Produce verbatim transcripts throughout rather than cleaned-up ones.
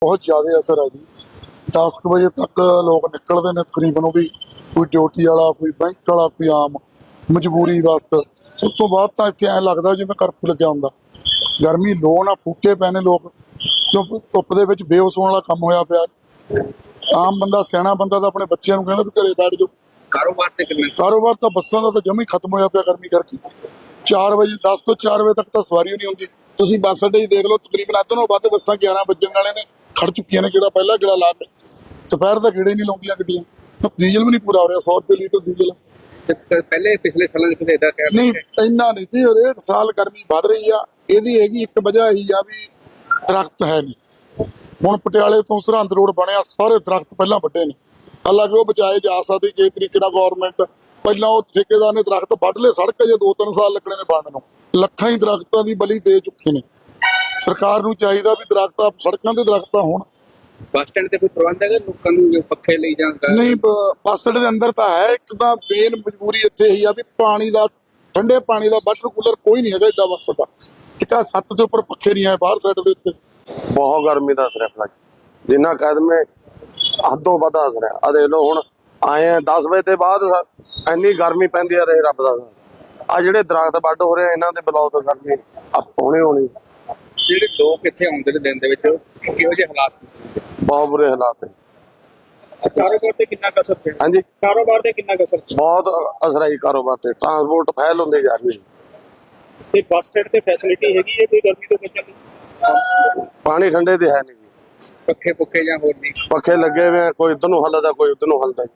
बहुत ज़्यादा असर है जी। दस क बजे तक लोग निकलते हैं तकरीबन, वो भी कोई ड्यूटी वाला, कोई बैंक वाला, कोई आम मजबूरी वास्ते। उस तो बाद तो इतने ऐ लगता जिवें करफ्यू लग्या हुंदा। गर्मी लो ना फूके पे ने लोग, क्यों धुप दे विच बेहोश होने वाला काम होया पिया। आम बंदा सियाणा बंदा तो अपने बच्चों को कहता भी घरे बैठ जाओ। कारोबार ते किन्ना कारोबार तो बसां दा तो जमी खत्म होया पिया गर्मी करके। चार बजे दस तो चार बजे तक तो सवारी नहीं होंदी। तुसीं बस अड्डे देख लो, तकरीबन अद्ध नालों वध बसां ग्यारह बजण वाले ने खड़ चुकियां ने। गेड़ा पहला गेड़ा ला के दोपहर तक गेड़े नहीं लाउंदियां गड्डियां। डीजल भी नहीं पूरा हो रहा, सौ रुपये लीटर डीजल पहले पिछले सालों च किते इदा कह नहीं। इन्ना नहीं जी, हरेक साल गर्मी वध रही आ। इहदी हैगी एक वजह यही आ भी दरख्त है नहीं। हुण पटियाले तो सरहंद रोड बनया, सारे दरख्त पहला वड्डे ने। हालांकि वो बचाए जा सकते किसी तरीके नाल। गौरमेंट पहला वो ठेकेदार ने दरख्त वड्ड ले, सड़क जे दो तीन साल लगने ने बनन नूं। ਲੱਖਾਂ ही दरख्तां दी बली दे चुके ने। सरकार नूं चाहीदा भी दरख्त सड़कां ते दरख्त होण। बस स्टैंड ते कोई प्रबंध है लोकां नूं जो पक्खे लई जाण दा? नहीं, बस अड्डे दे अंदर तां है। एक तां मेन मजबूरी इत्थे ही आ भी पानी दा, ठंडे पानी दा वाटर कूलर कोई नहीं हैगा एडा बस अड्डा। एक आ सत्त दे उपर पक्खे नहीं है बाहर साइड दे उत्ते। बहुत गर्मी का असर है जिन्ना कदम हदों वध असर है। आ देख लो हुण आए हैं दस बजे ते बाद इन्नी गर्मी पैंदी है, रहे रब दा। आ ਜਿਹੜੇ ਦਰਖਤ ਵੱਢ ਹੋ ਰਹੇ ਇਹਨਾਂ ਦੇ ਬਲੌਕ ਕਰਨੀ ਆਪ ਹੋਣੀ ਹੋਣੀ। ਜਿਹੜੇ ਲੋਕ ਇੱਥੇ ਆਉਂਦੇ ਨੇ ਦਿਨ ਦੇ ਵਿੱਚ ਕਿਹੋ ਜਿਹੇ ਹਾਲਾਤ ਨੇ? ਬਹੁਤ ਬੁਰੇ ਹਾਲਾਤ ਹੈ। ਕਾਰੋਬਾਰ ਤੇ ਕਿੰਨਾ ਕੁ ਅਸਰ ਪਿਆ? ਹਾਂਜੀ, ਕਾਰੋਬਾਰ ਤੇ ਕਿੰਨਾ ਕੁ ਅਸਰ ਪਿਆ? ਬਹੁਤ ਅਸਰ ਹੈ ਕਾਰੋਬਾਰ ਤੇ। ਟਰਾਂਸਪੋਰਟ ਫੈਲ ਹੁੰਦੇ ਜਾ ਰਹੀ। ਤੇ ਬੱਸ ਸਟੈਂਡ ਤੇ ਫੈਸਿਲਿਟੀ ਹੈਗੀ ਹੈ ਕੋਈ ਗਰਮੀ ਤੋਂ ਬਚਣ ਦੀ? ਪਾਣੀ ਠੰਡੇ ਤੇ ਹੈ ਨਹੀਂ ਜੀ। ਪੱਖੇ ਪੁੱਖੇ ਜਾਂ ਹੋਰ ਨਹੀਂ? ਪੱਖੇ ਲੱਗੇ ਹੋਏ ਆ, ਕੋਈ ਇੱਧਰ ਨੂੰ ਹੱਲਦਾ ਕੋਈ ਉੱਧਰ ਨੂੰ ਹੱਲਦਾ।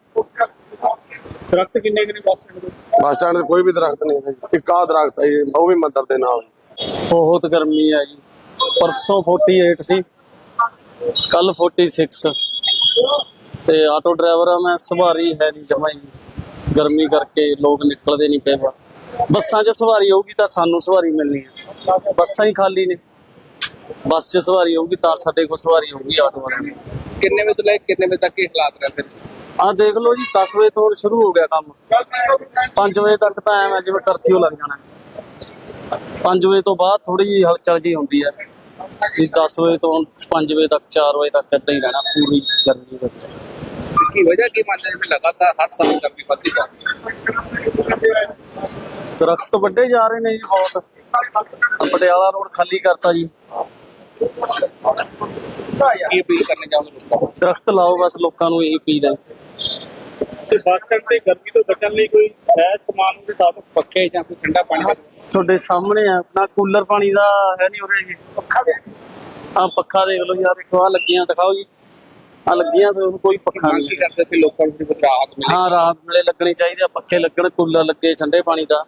ਦਰਖਤ ਕਿੰਨੇ ਕਿੰਨੇ ਬੱਸ ਸਟੈਂਡ ਦੇ? ਬੱਸ ਸਟੈਂਡ ਤੇ ਕੋਈ ਵੀ ਦਰਖਤ ਨਹੀਂ ਹੈ ਜੀ। ਇੱਕ ਆਹ ਦਰਖਤ ਹੈ ਜੀ, ਉਹ ਵੀ ਮੰਦਰ ਦੇ ਨਾਲ। बहुत गर्मी है जी। परसों अड़तालीस सी, कल छियालीस। ते आटो ड्राइवर आ मैं, सवारी है नहीं जमा ही। गर्मी करके लोग निकलते नहीं पे। बसां च सवारी होगी तो सानू सवारी मिलनी है, बसां ही खाली ने। बस च सवारी होगी तो साडे कोल सवारी होगी आटो वाले। किन्ने बजे तो लेके किन्ने बजे तक के हालात रहते हैं? आ देख लो जी, दस बजे तो शुरू हो गया काम। पांच बजे तक तो ऐ जिवें कर्फ्यू लग जाना। पांच बजे तो बाद थोड़ी जी हलचल जी होंदी है। भी दस बजे तो पांच बजे तक, चार बजे तक इदां ही रहना पूरी गर्मी विच। की वजह की मानते हैं लगातार हर साल गर्मी बढ़ती जा रही है? दरख्त वड्डे जा रहे ने जी बहुत। पटियाला रोड खाली करता जी। की अपील करने चाहोगे लोगों को? दरख्त लाओ बस, लोगों को यही अपील है। ਤੇ ਬੱਸ ਸਟੈਂਡ ਤੇ ਗਰਮੀ ਤੋਂ ਬਚਣ ਲਈ ਕੋਈ ਹੈ ਸਮਾਨ ਦੇ ਸਾਥ ਪੱਖੇ ਜਾਂ ਕੋਈ ਠੰਡਾ ਪਾਣੀ? ਤੁਹਾਡੇ ਸਾਹਮਣੇ ਆ ਨਾ, ਕੂਲਰ ਪਾਣੀ ਦਾ ਹੈ ਨਹੀਂ ਉਰੇ ਜੀ। ਪੱਖਾ ਦੇ ਆ ਪੱਖਾ ਦੇਖ ਲਓ ਯਾਰ, ਇੱਕ ਆ ਲੱਗੀਆਂ ਦਿਖਾਓ ਜੀ। ਆ ਲੱਗੀਆਂ ਤੇ ਕੋਈ ਪੱਖਾ ਕੀ ਨਹੀਂ। ਕਰਦੇ ਸੀ ਲੋਕਾਂ ਨੂੰ ਰਾਹਤ ਮਿਲੇ? ਹਾਂ, ਰਾਤ ਵੇਲੇ ਲੱਗਣੀ ਚਾਹੀਦੀ ਆ, ਪੱਖੇ ਲੱਗਣ, ਕੂਲਰ ਲੱਗੇ ਠੰਡੇ ਪਾਣੀ ਦਾ।